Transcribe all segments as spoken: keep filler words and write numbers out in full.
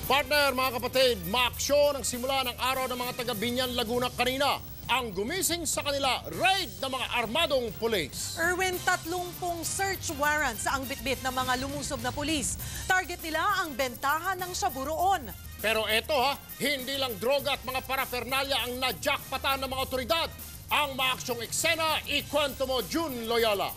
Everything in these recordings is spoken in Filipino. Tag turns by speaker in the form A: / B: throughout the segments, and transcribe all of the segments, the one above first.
A: Partner, mga kapatid, maaksyon ang simula ng araw ng mga taga Binyan, Laguna kanina. Ang gumising sa kanila, raid ng mga armadong pulis.
B: Erwin, tatlong pong search warrants ang bitbit ng mga lumusob na pulis. Target nila ang bentahan ng shabu roon.
A: Pero eto ha, hindi lang droga at mga paraphernalia ang najakpatan ng mga otoridad. Ang maaksyong eksena, ikwento mo, June Loyola.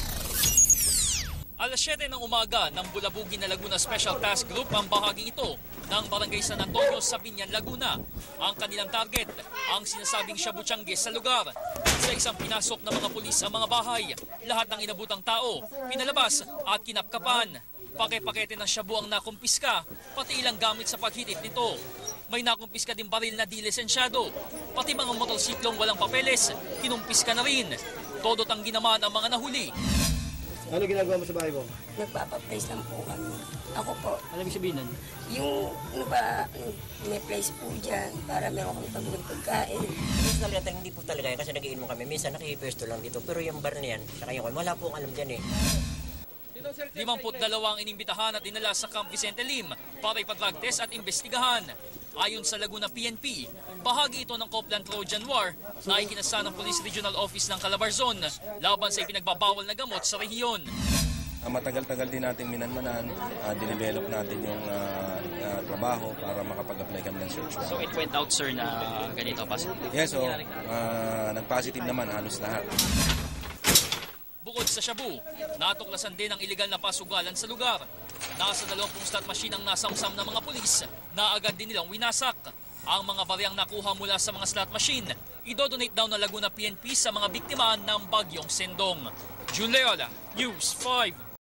C: Alas siyete ng umaga ng Bulabugin na Laguna Special Task Group ang bahaging ito ng Barangay San Antonio sa Binyan, Laguna. Ang kanilang target, ang sinasabing Shabu Changgis sa lugar. Sa isang pinasok ng mga pulis ang mga bahay, lahat ng inabutang tao, pinalabas at kinapkapan. Pake-pakete ng shabu ang nakumpiska, pati ilang gamit sa paghitit nito. May nakumpiska din baril na di lisensyado, pati mga motorsiklong walang papeles, kinumpiska na rin. Todot ang ginaman ang mga nahuli.
D: Ano ginagawa mo sa bahay mo?
E: Nagpapaplace lang po kami. Ako po.
D: Ano ibig sabihin nun?
E: Yung ano ba, may place po dyan para meron kami pagbugang pagkain.
F: Minsan talaga hindi po talaga yan kasi nagiinom kami. Minsan nakipwesto lang dito. Pero yung bar na yan, saka yung wala po alam dyan eh.
C: Limamput dalawang inimbitahan at dinala sa Camp Vicente Lim para ipa-drug test at imbestigahan. Ayon sa Laguna P N P, bahagi ito ng Copland Trojan War na ikinasa ng Police Regional Office ng Calabarzon laban sa ipinagbabawal na gamot sa rehiyon.
G: Uh, matagal-tagal din natin minanmanan, uh, dinevelop natin yung uh, uh, trabaho para makapag-apply kami ng search warrant.
C: So it went out, sir, na ganito pa?
G: Yes, so uh, nag-positive naman halos lahat.
C: Bukod sa shabu, natuklasan din ang iligal na pasugalan sa lugar. Nasa dalawampung slot machine ang nasamsam ng mga pulis na agad din nilang winasak. Ang mga bariyang nakuha mula sa mga slot machine, idodonate daw ng Laguna P N P sa mga biktima ng bagyong Sendong. June Leola, News five.